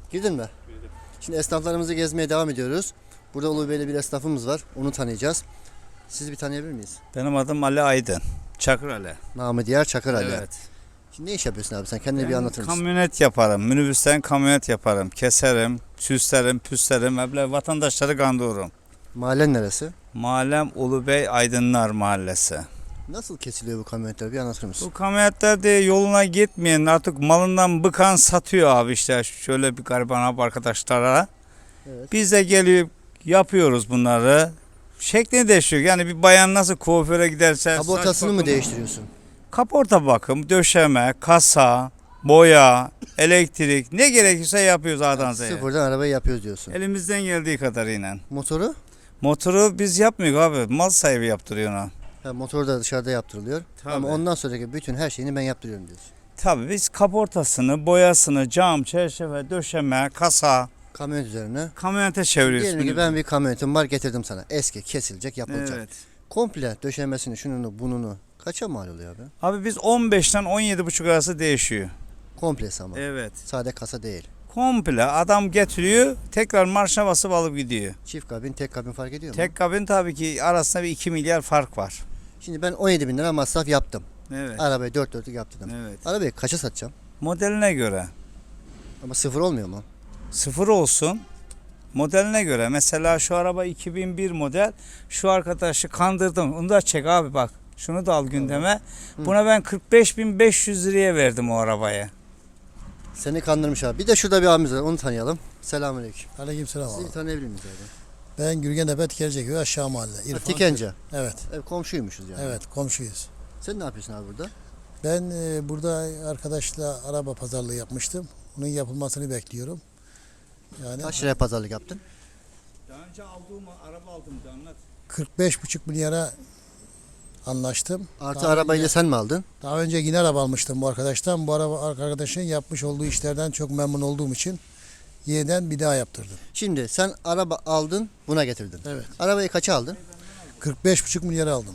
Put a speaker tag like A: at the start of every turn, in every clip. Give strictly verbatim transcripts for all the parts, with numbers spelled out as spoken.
A: Girdin mi?
B: Girdim.
A: Şimdi esnaflarımızı gezmeye devam ediyoruz. Burada Ulu Bey'le bir esnafımız var. Onu tanıyacağız. Sizi bir tanıyabilir miyiz?
B: Benim adım Ali Aydın. Çakır Ali.
A: Namı diğer Çakır Ali.
B: Evet.
A: Şimdi ne iş yapıyorsun abi sen? Kendini
B: Ben
A: bir anlatır mısın?
B: kamyonet yaparım. Minibüsten kamyonet yaparım. Keserim, süslerim, püslerim. Böyle vatandaşları kandırırım.
A: Mahallen neresi?
B: Mahallem Ulubey Aydınlar Mahallesi.
A: Nasıl kesiliyor bu kamyonetler? Bir anlatır mısın?
B: Bu kamyonetler de yoluna gitmeyen artık malından bıkan satıyor abi işte şöyle bir gariban abi arkadaşlara.
A: Evet.
B: Biz de gelip yapıyoruz bunları. Şeklini değişiyor. Yani bir bayan nasıl kuaföre giderse
A: Kaportasını
B: saç
A: mı
B: bakımı-
A: değiştiriyorsun?
B: Kaporta bakım, döşeme, kasa, boya, elektrik ne gerekirse yapıyoruz A'dan Z'ye.
A: Sıfırdan arabayı yapıyoruz diyorsun.
B: Elimizden geldiği kadarıyla.
A: Motoru?
B: Motoru biz yapmıyoruz abi. Mal sahibi yaptırıyor ona.
A: Ha, motor da dışarıda yaptırılıyor.
B: Tabii.
A: Ama ondan sonraki bütün her şeyini ben yaptırıyorum diyorsun.
B: Tabii biz kaportasını, boyasını, cam, çerçeve, döşeme, kasa,
A: Kamyonet üzerine.
B: kamyonete çeviriyoruz.
A: Diyelim ki ben bir kamyonetim var getirdim sana. Eski, kesilecek, yapılacak.
B: Evet.
A: Komple döşemesini, şununu, bununu kaça mal oluyor abi?
B: Abi biz on beşten on yedi buçuk arası değişiyor.
A: Komplesi ama.
B: Evet.
A: Sade kasa değil.
B: Komple adam getiriyor, tekrar marşa basıp alıp gidiyor.
A: Çift kabin, tek kabin fark ediyor mu?
B: Tek kabin tabii ki arasında bir iki milyar fark var.
A: Şimdi ben on yedi bin lira masraf yaptım.
B: Evet.
A: Arabayı dört dörtlük yaptırdım.
B: Evet.
A: Arabayı kaça satacağım?
B: Modeline göre.
A: Ama sıfır olmuyor mu?
B: Sıfır olsun. Modeline göre. Mesela şu araba iki bin bir model. Şu arkadaşı kandırdım. Onu da çek abi bak. Şunu da al gündeme.
A: Hı.
B: Buna ben kırk beş bin beş yüz liraya verdim o arabayı.
A: Seni kandırmış abi. Bir de şurada bir abimiz var. Onu tanıyalım. Selamünaleyküm.
C: Aleykümselam
A: Sizi
C: abi.
A: tanıyabilir miyiz abi?
C: Ben Gürgen Tikerceköy aşağı mahalle.
A: Ha,
C: İrfan.
A: Tikence.
C: Evet.
A: Evet, komşuymuşuz yani.
C: Evet komşuyuz.
A: Sen ne yapıyorsun abi burada?
C: Ben e, burada arkadaşla araba pazarlığı yapmıştım. Onun yapılmasını bekliyorum. Yani
A: Kaç liraya pazarlık yaptın?
B: Daha önce aldığım araba aldım da anlat.
C: kırk beş buçuk milyara anlaştım.
A: Artı
C: Daha
A: arabayı da
C: önce,
A: sen mi aldın?
C: daha önce yine araba almıştım bu arkadaştan. Bu araba arkadaşın yapmış olduğu işlerden çok memnun olduğum için yeniden bir daha yaptırdım.
A: Şimdi sen araba aldın, buna getirdin.
C: Evet.
A: Arabayı kaça aldın?
C: kırk beş buçuk milyara aldım.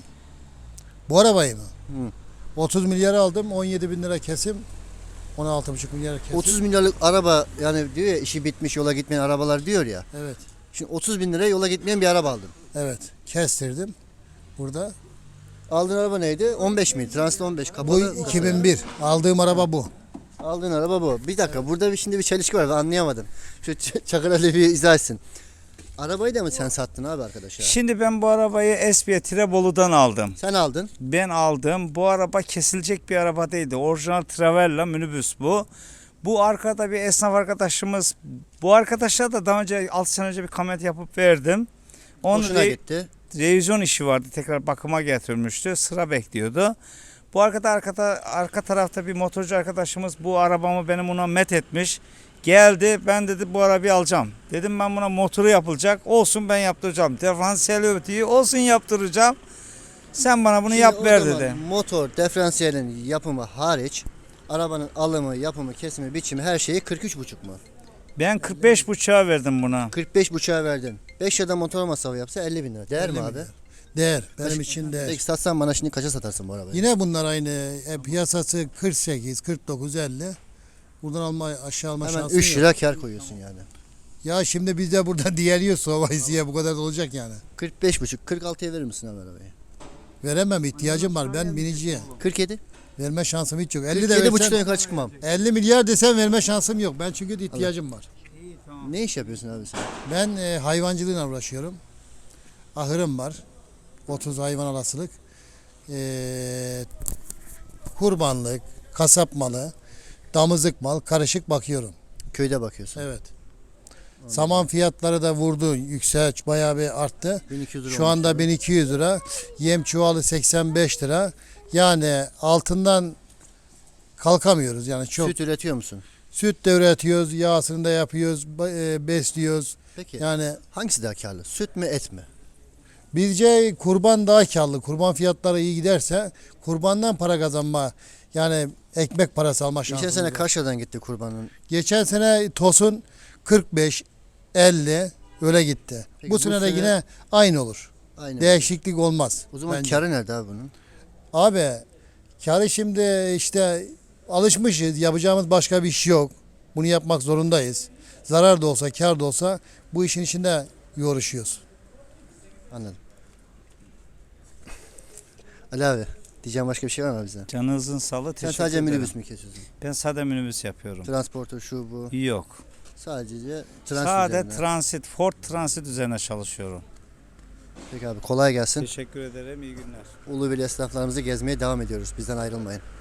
C: Bu arabayı mı?
A: Hı.
C: otuz milyara aldım. on yedi bin lira kesim. on altı buçuk milyar kesim.
A: otuz milyarlık araba yani diyor ya işi bitmiş yola gitmeyen arabalar diyor ya.
C: Evet.
A: Şimdi otuz bin liraya yola gitmeyen bir araba aldın.
C: Evet. Kestirdim. Burada.
A: Aldığın araba neydi? on beş miydi? Transit on beş.
C: Bu
A: Kapalı.
C: iki bin bir. Aldığım araba bu.
A: Aldığın araba bu. Bir dakika burada bir şimdi bir çelişki var ben anlayamadım. Şu Ç- Çakır Ali bir izah etsin. Arabayı da mı sen sattın abi arkadaşa?
B: Şimdi ben bu arabayı Esbiye Tirebolu'dan aldım.
A: Sen aldın.
B: Ben aldım. Bu araba kesilecek bir araba değildi. Orijinal Travella minibüs bu. Bu arkada bir esnaf arkadaşımız. Bu arkadaşa da daha önce altı sene önce bir kamyonet yapıp verdim. Onun
A: Hoşuna
B: re-
A: gitti.
B: revizyon işi vardı. Tekrar bakıma getirmişti. Sıra bekliyordu. Bu arkada arkada arka tarafta bir motorcu arkadaşımız bu arabamı benim ona met etmiş. Geldi ben dedi bu arabayı alacağım. Dedim ben buna motoru yapılacak. Olsun ben yaptıracağım. Diferansiyel ötüyü olsun yaptıracağım. Sen bana bunu
A: Şimdi
B: yap
A: o
B: ver
A: zaman
B: dedi.
A: Motor, diferansiyelin yapımı hariç arabanın alımı, yapımı, kesimi, biçimi her şeyi kırk üç buçuk mu?
B: Ben kırk beş buçuğa verdim buna.
A: kırk beş buçuğa verdin. beş liradan motor masrafı yapsa elli bin lira. Değer mi
C: elli
A: abi?
C: milyar. Değer. Benim
A: Kaç-
C: için değer.
A: Peki satsan bana şimdi kaça satarsın bu arabayı?
C: Yine bunlar aynı. E, piyasası kırk sekiz, kırk dokuz, elli. Buradan alma aşağı alma
A: Hemen
C: şansın
A: üç
C: yok.
A: lira kar koyuyorsun yani.
C: Ya şimdi biz de burada diyeliyoruz Sovaisi'ye bu kadar da olacak yani.
A: kırk beş buçuk, kırk altıya verir misin abi arabayı?
C: Veremem ihtiyacım var. Ben biniciyim.
A: kırk yedi.
C: Verme şansım hiç yok. elli de
A: kırk yedi buçuktan
C: versen,
A: yukarı çıkmam.
C: elli milyar desem verme şansım yok. Ben çünkü de ihtiyacım var.
A: Ne iş yapıyorsun abi sen?
C: Ben e, hayvancılığıyla uğraşıyorum. Ahırım var. otuz hayvan alasılık. E, kurbanlık, kasap malı, damızlık mal karışık bakıyorum.
A: Köyde bakıyorsun.
C: Evet. Saman fiyatları da vurdu. Yüksek bayağı bir arttı.
A: bin iki yüz lira
C: Şu
A: olmuş
C: anda
A: abi.
C: bin iki yüz lira. Yem çuvalı seksen beş lira. Yani altından kalkamıyoruz. Yani çok
A: Süt üretiyor musun?
C: süt de üretiyoruz, yağsını da yapıyoruz, ba- e, besliyoruz.
A: Peki
C: Yani
A: hangisi daha karlı? Süt mü et mi?
C: bizce kurban daha karlı. Kurban fiyatları iyi giderse kurbandan para kazanma yani ekmek parası alma
A: Geçen
C: şansımız
A: sene
C: var.
A: kaç liradan gitti kurbanın?
C: Geçen sene tosun kırk beş elli öyle gitti.
A: Peki
C: bu
A: bu
C: sene de
A: sene-
C: yine aynı olur.
A: Aynen.
C: Değişiklik olmaz.
A: O zaman
C: bence.
A: karı nerede abi bunun?
C: Abi karı şimdi işte alışmışız. Yapacağımız başka bir iş yok. Bunu yapmak zorundayız. Zarar da olsa, kar da olsa bu işin içinde yoğruşuyoruz.
A: Anladım. Ali abi diyeceğim başka bir şey var mı bize?
B: Canınızın sağlığı,
A: Sen
B: teşekkür
A: sadece
B: ederim.
A: minibüs mü kesiyorsun?
B: Ben sade minibüs yapıyorum.
A: Transporter şu bu.
B: Yok.
A: Sadece transit
B: Sade
A: üzerine.
B: transit, Ford Transit üzerine çalışıyorum.
A: Peki abi kolay gelsin.
B: Teşekkür ederim. İyi günler.
A: Ulubeli esnaflarımızı gezmeye devam ediyoruz. Bizden ayrılmayın.